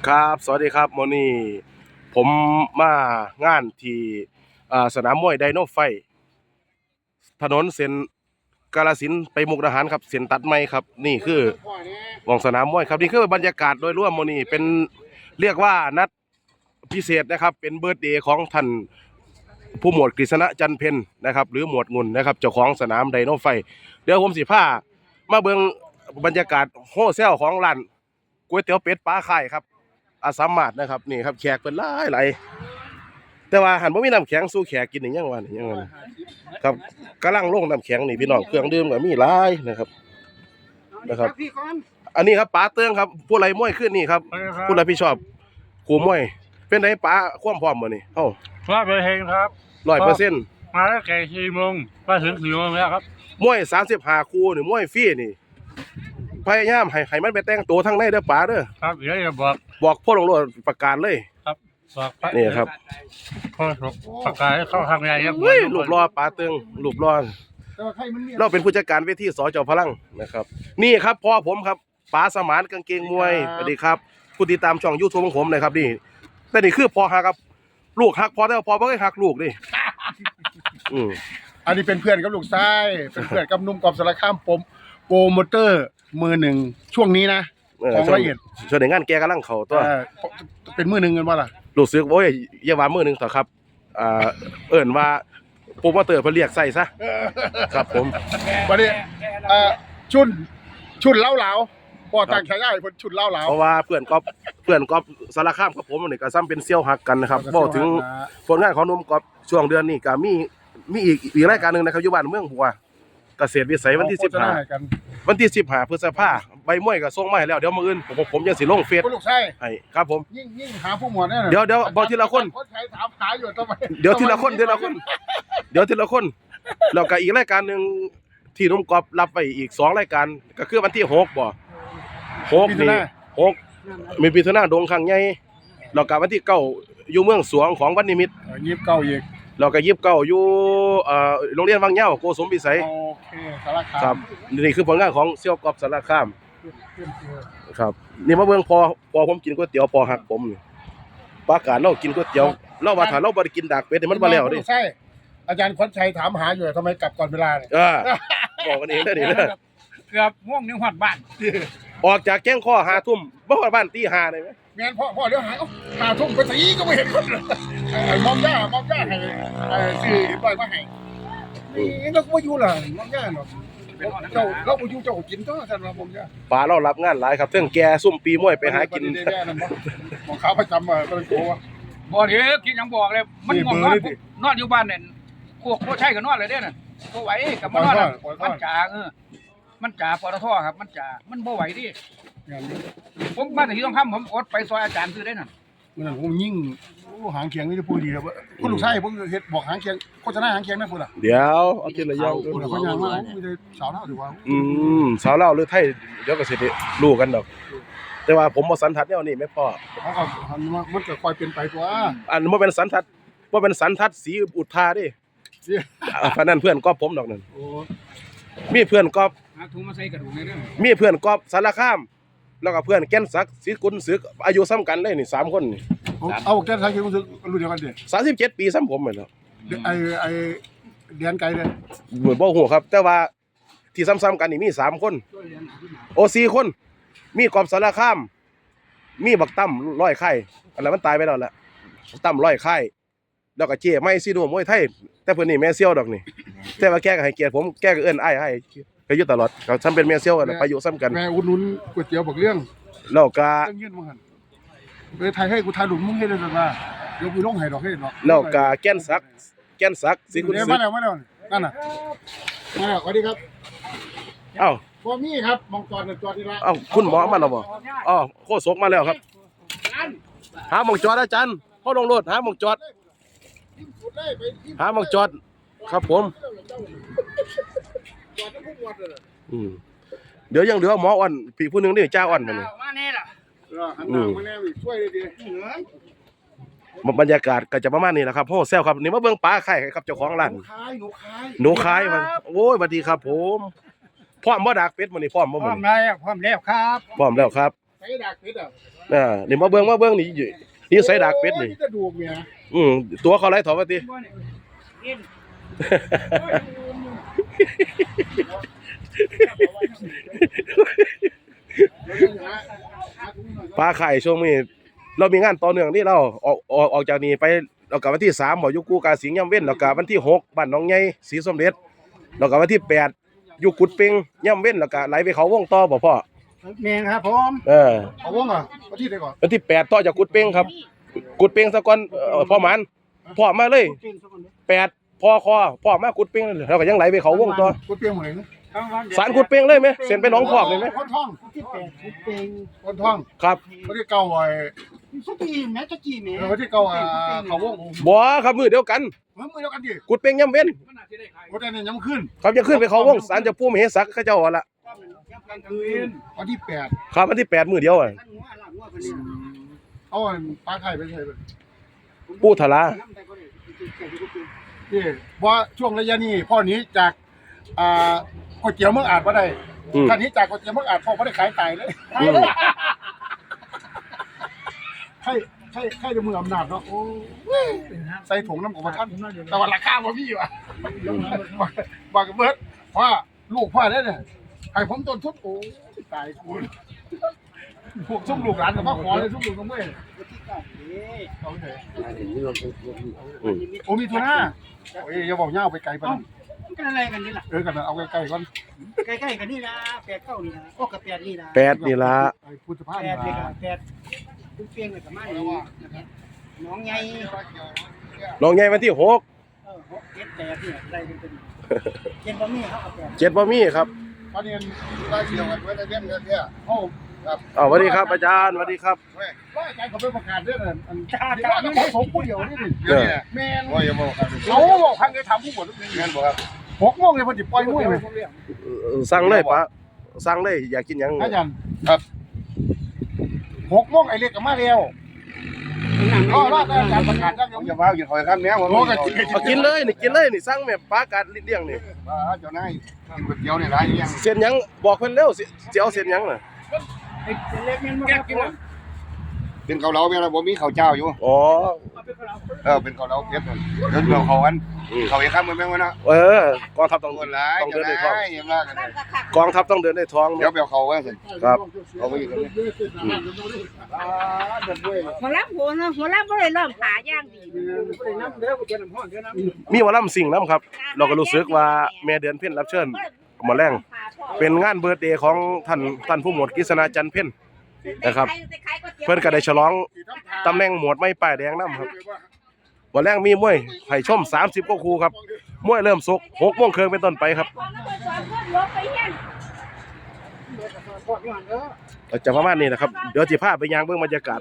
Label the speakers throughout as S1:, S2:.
S1: ครับสวัสดีครับโมนี่ผมมางานที่สนามมวยไดโนไฟถนนเส้นกาฬสินธุ์ไปมุกดาหารครับเส้นตัดไม้ครับนี่คือหม่องสนามมวยครับนี่คือบรรยากาศโดยรวมโมนี่เป็นเรียกว่านัดพิเศษนะครับเป็นเบิร์ธเดย์ของท่านผู้หมวดกฤษณะจันทร์เพ็ญนะครับหรือหมวดงุ่นนะครับเจ้าของสนามไดโนไฟเดี๋ยวผมสิพามาเบิ่งบรรยากาศโฮเซลของร้านก๋วยเตี๋ยวเป็ดปลาไข่ครับอาสามารถนะครับนี่ครับแขกเป็นหลายแต่ว่าหันบ่มีน้ำแข็งสู้แขกกินนี่ยังว่านี่ยังว่านี่ครับกำลังลงน้ำแข็งนี่พี่น้องเครื่องดื่มก็มีหลายนะครับอันนี้ครับป๋าเตื้องครับผู้ไรมวยขึ้นนี่ครับผู้รับผิดชอบขู่มวยเป็นไงป๋าความพร้อมมื้อนี้เอ้า
S2: 100%ครับ
S1: 100%
S2: มาแล้วแก่4 โมงมาถึง4 โมงแล้วครับ
S1: มวย35คู่นี่มวยฟรีนี่พยายามให้มันไปแต่งตัวทางในเด้อป๋าเด้อ
S2: ครับเดี๋ยวจะ
S1: บอกพ่อลงโลดประกาศเลย
S2: ครับบอก
S1: นี่ครับ
S2: พ่อประกาศให้เข้าทางใหญ่ครับ
S1: รูปรอป๋าเตื้องรูปรอเราเป็นผู้จัดการเวทีสจพลังนะครับนี่ครับพ่อผมครับป๋าสมานกางเกงมวยสวัสดีครับผู้ติดตามช่อง YouTube ของผมนะครับนี่แต่นี่คือพ่อฮักครับลูกฮักพ่อแต่ว่าพ่อบ่เคยฮักลูกดิ
S3: อันนี้เป็นเพื่อนกับลูกชายเป็นเพื่อนกับนุ่มกอบสารคามผมโปรโมเตอร์มือหนึ่งช่วงนี้นะของละเอียด
S1: ช่วงในงานแกกำลังเข้าตัว
S3: เป็นมือหนึ่งกันว่าล่ะ
S1: รู้สึกโอ้ยอย่าว่ามือหนึ่งต่อครับเอิ้นว่าโปรโมเตอร์เพิ่นเรียกใส่ซะครับผม
S3: วันนี้ชุนเล่าพอตั้งฉายาให้เพิ่นชุนเล่า
S1: เพราะว่าเพื่อนก๊อฟสารคามกับผมนี่ก็ซ้ำเป็นเซี่ยวหักกันนะครับเว้าถึงผลงานของหนุ่มก๊อฟช่วงเดือนนี้ก็มีอีกรายการนึงนะครับอยู่บ้านเมืองหัวเกษตรวิสัยวันที่15วันที่15พฤษภาคมใบมวยก็ส่งมาให้แล้วเดี๋ยวมื้ออื่นผมยังสิลงเฟซ
S3: ลูกชาย
S1: ให้ครับผม
S3: ยิ่งหาผู้หมวดเนี่ย
S1: เดี๋ยวบอกทีละคน
S3: ถามหาอยู่ทำไม
S1: เดี๋ยวทีละคนแล้วก็อีกรายการนึงที่นุ่มก๊อฟรับไว้อีก2รายการก็คือวันที่6บ่6นี่6มีพิธนาดงครั้งใหญ่แล้วก็วันที่9อยู่เมืองสวงของวันนิมิตร
S3: 29อีก
S1: แล้วก็29อยู่โรงเรียนวังเหย้าโกสมพิสัย
S3: โอเคสารคาม
S1: ครับนี่คือผลงานของเซี่ยวกอบสารคามครับนี่มาเบิ่งพอผมกินก๋วยเตี๋ยวพอหักผมนี่ปากาศเรากินก๋วยเตี๋ยวเราว่าถ้าเราบ่ได้กินดากเป็ดนี่มันบ่แล้วดิ
S3: ใช่อาจารย์ขวัญชัยถามหาอยู่ทำไมกลับก่อนเวลาเนี่ย
S1: บอกกันเองเด้อนี่เด้อ
S2: เกือบง่วงนึงฮอดบ้าน
S1: ออกจากแก้งข้อ5 ทุ่มบ่ฮอดบ้านตี 5ได้มั้ย
S3: แม่นพ่อเดี๋ยวหาย5 ทุ่มไปตีก็ไม่เห็นคนมอมย่าให้ซื้อปล่อยมาให้นี่ก็บ่อยู่ล่ะมอมย่าเนาะเจ้าเราบ่อยู่เจ้ากินตัวซั่นว่ามอมย่า
S1: ป้าเรารับงานหลายครับเทิงแก่ซุ่มปีมวยไปหากิน
S3: ของเขาประจำก็เลยโกว่า
S2: บ่เด้อกินหยังบอกเลยมันง่วงนอนอยู่บ้านเนี่ยพวกใช่ก็นอนเลยเด้อน่ะบ่ไหวก็มานอนมันจ๋ามันจ่าปตทครับมันบ่ไหวดิผมมาแต่ที่ต้องทำผมอดไปซอยอาจารย์ซื้อได้น่ะ
S3: มันผมยิ่งหางเคียงนี่จะพูดดีครับคุณลูกชายผมเฮ็ดบอกหางเคียงโฆษณาหางเคียงแม่พูดล่ะ
S1: เดี๋ยวเอากินระยอง
S3: พูดเขาอย่างว่ามีแต่สาวเล่าถือว่า
S1: สาวเล่าหรือไทยเดี๋ยวก็สิได้รู้กันดอกแต่ว่าผมบ่สันทัดแนวนี้แม่พ่อ
S3: เขาก็มันก็ค่อยเป็นไปตัว
S1: อันบ่เป็นสันทัดสีอุทาดิเพราะนั้นเพื่อนก๊อฟผมดอกนั่นมีเพื่อนก๊อฟ
S2: ถุงมาใส่กระดูกในเรื่อง
S1: มีเพื่อนก๊อฟสารคามแล้วก็เพื่อนแก่นศักดิ์ศรีกุลศึกอายุซ้ำกันเลยนี่3คนนี่
S3: เอาแก่นศักดิ์ศรีกุลศึกรุ่นเดียวกันดิ
S1: 37 ปีซ้ำผมเหมือนแล้ว
S3: ไอ้เดือนไกลเลย
S1: เหมือนบ่ฮู้ครับแต่ว่าที่ซ้ำๆกันนี่มี3คนโอ4คนมีก๊อฟสารคามมีบักตั้มร้อยไข่อันนั้นมันตายไปแล้วแหละตั้มร้อยไข่แล้วก็เจ๊ไม่ซีโนมวยไทยแต่เพิ่นนี่แม่เซี่ยวดอกนี่แต่ว่าแกก็ให้เกียรติผมแกก็เอิ้นอ้ายก็อยู่ตลอดก็ซ้ำเป็นแม่เซี่ยวกันไปอยู่ซ้ำกัน
S3: แม่อุดหนุนก๋วยเตี๋ยวบอกเรื่อง
S1: แล้วก็
S3: เงินบ่หั่นไปไทยให้กูทานหลุมมึงเฮ็ดได้ซั่นว่าเดี๋ยวกูลงให้ดอกเฮ็ดเนาะ
S1: แล้วก็แก่นศักดิ์ศรีกุลศึก
S3: มาแล้วนั่นน่ะมาแล้วสวัสดีครับ
S1: อ้าว
S3: บ่มีครับมังกรตัวที่ละ
S1: อ้าวคุณหมอมาแล้วบ่อ๋อโคศกมาแล้วครับหาหม่องจอดอาจารย์พ่อลงรถหาหม่องจอดครับผมเดี๋ยวยังเหลือหมออ่อนพี่ผู้นึงนี่จ้าอ่อนมา
S2: แน่ล่ะ
S3: มาแน่ช่วยดี
S1: บรรยากาศก็จะประมาณนี้แหละครับโฮเซลครับนี่มาเบิ่งปลาไข่ครับเจ้าของร้านหนูคายมันโอ้ยสวัสดีครับผมพร้อมบ่ดักเป็ดมื้อนี้พร้อมบ่มื้อนี้
S2: พร้อมแล้วครับ
S1: พร้อมแล้วครับ
S3: ส่ดากเป็ดอ่ะ
S1: นี่มาเบิ่งนี่ใส่ดากเป็ดนี่
S3: จะดูเมีย
S1: ตัวเขาไรถอดมาติ ปลาไข่ช่วงนี้เรามีงานต่อเนื่องที่เราออกจากนี้ไปเรากลับวันที่3บ่อยู่กูกาสิงห์ย่ำเว้นแล้วก็วันที่6บ้านหนองใหญ่ศรีสมเด็จแล้วก็วันที่8อยู่กุดเป่งย่ำเว้นแล้วก็ไหลไปเขาวงต่อบ่พ่อ
S3: แมงครับผม เอาวงอ่ะเอาที่ไหนก่อน
S1: วันที่8ต่อจากกุดเป่งครับกุดเป่งซะก่อนพ่อหมันพ่อมาเลย8พ่อมากุดเป่งแล้วก็ยังไหลไปเขาวงต่อ
S3: กุดเปียงเหมือน
S1: สารกุดเป่งเลยไหมเส้นไปหนองพอกเลยไหม
S3: คนท่องที่8กุดเปียงคนท่อง
S1: ครับ
S3: เขาที่เก่าไว้สักกี่แม่จะกี่แม่เขาที่เก่าเขาวง
S1: บ่ครับมือเดียวกัน
S3: มือเดียวกันดิ
S1: กุดเป่งย่ำเว้น
S3: กุดอันนี้ยังขึ้น
S1: ครับจะขึ้นไปเขาวงศาลเจะปู่มเหสักเขาเจ้าเอาละ
S3: กลางคืนวันที่8
S1: ครับวันที่8มื้อเดียวอ่ะ
S3: เอาปลาไข่ไปใส่
S1: ปู่ทะลา
S3: นี่ว่าช่วงระยะนี้พ่อนี้จากก๋วยเตี๋ยวเมืองอาจมาได้ท่านนี้จากก๋วยเตี๋ยวเมืองอาจพ่อไม่ได้ขายไก่เลยให้จะมืออำนาจเนาะโอ้ใส่ถุงน้ำของท่านแต่ว่าราคาบ่มีว่ะบอกกับเบิร์ดว่าลูกพ่อได้เนี่ยให้ผมต้นทุนโอ้ตายคุณพวกซุ่มลูกหลานกับพ่อขอเลยซุ่มลูกกับเมื่อยโอ้มีทุน่าโอ้ยอย่าบอกเงาไปไกลไป
S4: กันอะไรกันนี่ล่ะ
S3: กันเอาใกล้ๆก่อน
S4: ใกล้ๆกันนี่นะ8 9นี่นะโอ้กับ8นี่นะ
S1: 8นี่ล่ะ
S3: พุทธภาพ
S4: 8นี่ก็8คุณเปียงเลยประมาณนี้นะครับน้องใหญ่
S1: น้องใหญ่วันที่6
S4: 6 7 8นี่อะไรเป็นเย็นบ่มีเขาเอา8
S1: 7บ่มีครับ
S3: ตอนนี้ได้เดียวกันไว้ในเรื่องเนี่ยโอ้ครับ
S1: สวัสดีครับอาจารย์สวัสดีครับ
S3: ว่าอาจารย์เขาไปประกาศเรื่องอันจ้าเขาสมผู้เดียวนี่ดิแมน
S5: ว่าอย่าบอกครับ
S3: เขาบอกพังเลยทำผู้หมด
S5: แม่นบ่ครับ
S3: 6 โมงเลยพอจิปล่อยมวยเลย
S1: สั่งเลยปะสั่งเลยอยากกินหยัง
S3: อาจารย์ครับ6 โมงไอ้เล็กก็มาแล้วก็ว่าอาจารย์ประกาศได้
S5: ผมจะพากินหอยข้ามแนวผม
S3: โอ้กัน
S1: เอากินเลยนี่กินเลยนี่สั่งแม่ปลากัดเลี้ยงนี่
S5: ว่าเจ้านายกินก๋วยเตี๋ยวนี่หลายอย่าง
S1: เส้นหยังบอกเพิ่นเร็วสิเอาเส้นหยังน่ะ
S4: เล็กยังบ่ครับผม
S5: เป็นเกาเหลาแม่นบ่มีข้าวเจ้าอยู่
S1: อ๋อ
S5: เป็นเกาเหลาเผ็ดนั่นเดี๋ยวเราเข้ากันเข้าอีกคำมันแม่งวะเนาะ
S1: กองทัพต้อง
S5: คนหลาย
S1: ต้อง
S5: เจ้า
S1: เดิน
S5: นา
S1: ในท้อง
S5: ยยังว่ากันเลย
S1: กองทัพต้องเดินในท้อง
S5: เดี๋ยวไปเอาเข้าไว้สิ
S1: ครับ
S5: เอาไปอีกคนนึง
S6: หัวรับหัวเนาะหัวรับบ่ได้เริ่มขาย่างดี
S4: น้ำเด้อกูจะน้ำห้อนเด้อน้ำ
S1: มีหมอลำสิ่งน้ำครับ เราก็รู้สึกว่าแม่เดือนเพ็ญรับเชิญมาแรงเป็นงานเบิร์ธเดย์ของท่านผู้หมวดกฤษณาจันทร์เพ็ญนะครับ เพิ่นก็ได้ฉลองตำแหน่งหมวดไม้ป้ายแดงน้ำครับวันแรกมีมวยให้ชม30กว่าคู่ครับมวยเริ่มสุก6 โมงครึ่งเป็นต้นไปครับก็จะประมาณนี้นะครับเดี๋ยวสิพาไปยางเบิ่งบรรยากาศ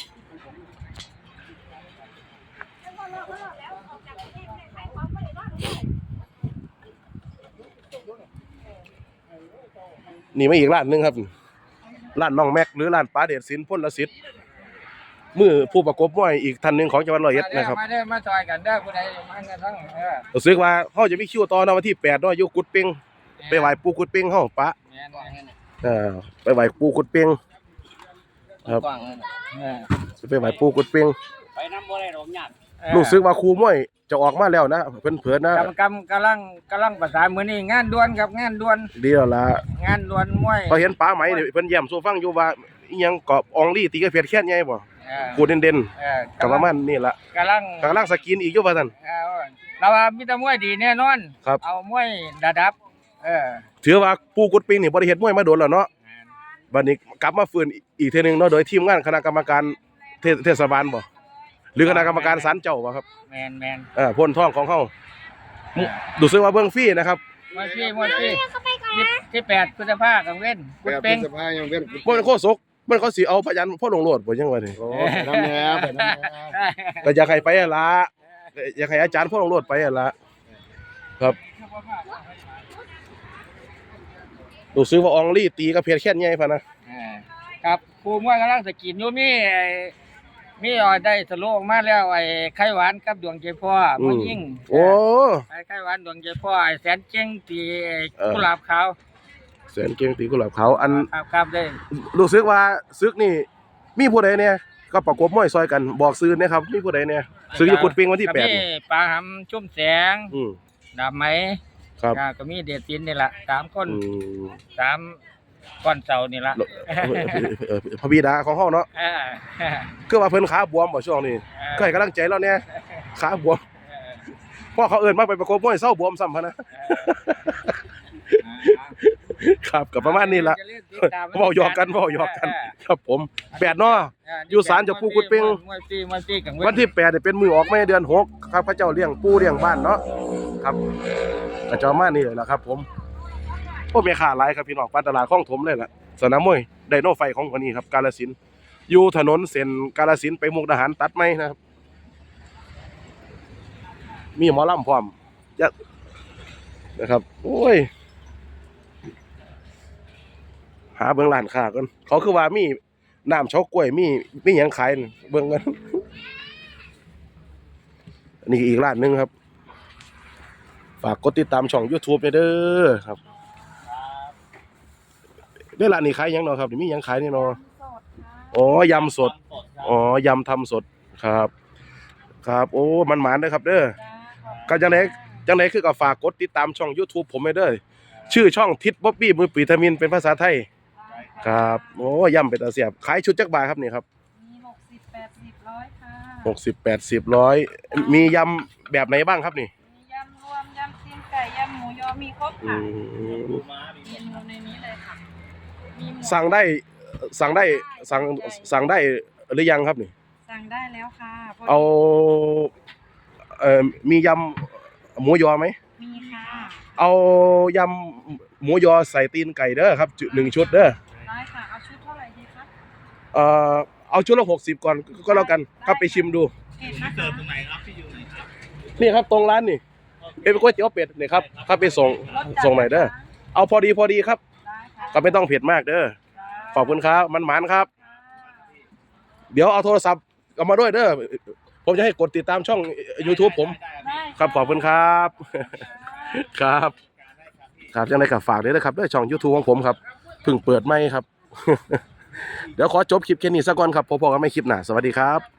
S1: นี่มาอีกร้านหนึงครับร้านน้องแม็กหรือร้านป้าเดชศิลป์พลสิทธิ์มือผู้ประกบมวยอีกท่านหนึงของจังหวัดร้อยเอ็ดนะครับ
S2: มาเด้อมาซอยกันเด้อผู้ใดมากันทั้ง
S1: รู้สึกว่าเฮาจะมีคิวต่อในวันที่8เนาะอยู่กุดเป่งไปไหว้ปู่กุดเป่งเฮาปะไปไหว้ปู่กุดเป่งครับไปไหว้ปู่กุดเป่ง
S4: ไปน้ำบ่ได้ดอกหยาด
S1: รู้สึกว่าครูมวยจะออกมาแล้วนะเพิ่นเผยนะ
S2: กำลังประสานมื้อนี้งานด่วนครับงานด่วน
S1: ดีแล้วล่ะ
S2: งานด่วนมวย
S1: พอเห็นป้าไหมนี่เพิ่นแย้มสู่ฟังอยู่ว่าอีหยังกอบอองลี่ตีกระเพียดแค่นใหญ่บ่กูเด่นๆก็ประมาณนี้ล่ะ
S2: กำลัง
S1: สกินอีกอยู่ว่าซั่น
S2: เราว่ามีแต่มวยดีแน่นอน
S1: ครับ
S2: เอามวยระดับ
S1: ถือว่าปู่กุดเป่งนี่บ่ได้เฮ็ดมวยมาโดนแล้วเนาะบัดนี้กลับมาฟื้นอีกเทื่อนึงเนาะโดยทีมงานคณะกรรมการเทศบาลบ่หรือคณะกรรมการศาลเจ้าบ่ครับ
S2: แมน
S1: พ่นท้องของเขาดูซื้อว่าเบื้องฟรีนะครับ
S2: มวยพี่ที่8พฤษภาคมเว้นกุด
S5: แบบ
S2: เป็ง
S5: สภายังเป็น
S1: มันโคศกมันเขาสิเอาพยันพ่อลงโลดบ่ยังว่านี่
S5: โอ้น้ำแหน่ไปน้ำแหน่
S1: ก็อยากให้ไปหั่นล่ะอยากให้อาจารย์พ่อลงโลดไปหั่นล่ะครับดูซื้อว่าอองลี่ตีกับเพชรแค่นใหญ่พะนะครับ
S2: ครูมวยกำลังสกินอยู่มีได้สโลออกมาแล้วไอ้ไข่หวานกับดวงใจพ่อมวยยิ่ง
S1: โอ้
S2: ไอ้ไข่หวานดวงใจพ่อไอ้แสนเจ้งตีกุหลาบขาว
S1: แสนเก่งตีกุหลาบขาวอัน
S2: ครับได้
S1: รู้สึกว่าซึกนี่มีผู้ใดเนี่ยก็ประกบมวยซอยกันบอกซื้อนะครับมีผู้ใดเนี่ยซื้ออยู่กุดปิงวันที่
S2: ก็
S1: 8
S2: มี
S1: นี่
S2: ปลาหำชุ่มแสง
S1: อืม
S2: ดาบไหม
S1: ครับ
S2: ก็มีเดชศิลป์นี่ล่ะ3 คน
S1: อืม
S2: 3ก้อนเสานี่ล่ะ
S1: พระบิดาของเฮาเนาะ
S2: เออ
S1: คือว่าเพิ่นขาบวมบ่ช่วงนี้ก็ให้กำลังใจเราเนี่ยขาบวมพ่อเขาเอิ้นมาไปประกบมวยเศร้าบวมซ้ำพะนะ ครับก็ประมาณนี้ล่ะเว้าหยอกกันครับผม8เนาะ อยู่ศาลเจ้าปู่กุดเป่ง
S2: มวยปีกัง
S1: วันที่8เนี่ยเป็นมือออกไม่เดือน6ครับพระเจ้าเลี้ยงปู่เลี้ยงบ้านเนาะครับก็จะประมาณนี้แหละครับผมโอ้แม่ค้าหลายครับพี่น้องปานตลาดคลองถมเลยล่ะสนามมวยไดโนไฟของคนนี้ครับกาฬสินธุ์อยู่ถนนเส้นกาฬสินธุ์ไปมุกดาหารตัดไหมนะครับมีหมอลำพร้อมจะนะครับโอ้ยหาเบิ่งร้านค้าก่อนเขาคือว่ามีน้ำเฉากล้วยมีหยังขายนี่เบิ่งกันอันนี้อีกร้านหนึงครับฝากกดติดตามช่อง YouTube ด้วยเด้อครับเด้อร้านนี้ขายหยังเนาะครับนี่มีหยังขายนี่เนาะอ๋อยำสดอ๋อยำทำสดครับครับโอ้มันหมานเด้อครับเด้อก็จังไดคือก็ฝากกดติดตามช่อง YouTube ผมไว้เด้อชื่อช่องทิศบ๊อบบี้มือปีวิตามินเป็นภาษาไทยครับโอ้ยำเป็นตาเสียบขายชุดจักบาทครับนี่ครับ
S6: มี60 80 100ค่ะ
S1: 60 80 100มียำแบบไหนบ้างครับนี่
S6: มียำรวมยำตีนไก่ยำหมูยอมีครบ
S1: อื
S6: ค่ะ
S1: ม
S6: เมนูในนี้เลยค่ะมีหมู
S1: สั่งได้หรือยังครับนี่
S6: สั่งได้แล้วค่ะพอดี
S1: เอามียำหมูยอไหม
S6: มีค่ะ
S1: เอายำหมูยอใส่ตีนไก่เด้อครับ1ชุดเด้อ
S6: ได้ค่ะเอาชุดเท่าไหร่ดีคะ
S1: เอาชุดละ60ก่อนก็แล้วกันครับไปชิมดู
S6: เผ็ดนะคะ
S1: นี่ครับตรงร้านนี่เป็นก๋วยเตี๋ยวเป็ดนี่ครับครับไปส่งหน่อยเด้อเอาพอดีครับ
S6: ได้ค่ะ
S1: ก็ไม่ต้องเผ็ดมากเด้อขอบคุณครับมันหมานครับ เดี๋ยวเอาโทรศัพท์เอามาด้วยเด้อผมจะให้กดติดตามช่อง YouTube ผม
S6: ได้
S1: ครับขอบคุณครับ ครับครับยังไงกับฝากด้วยนะครับด้วยช่อง YouTube ของผมครับเพิ่งเปิดไม่ครับ เดี๋ยวขอจบคลิปแค่นี้ซะก่อนครับพบกันไม่คลิปหน้าสวัสดีครับ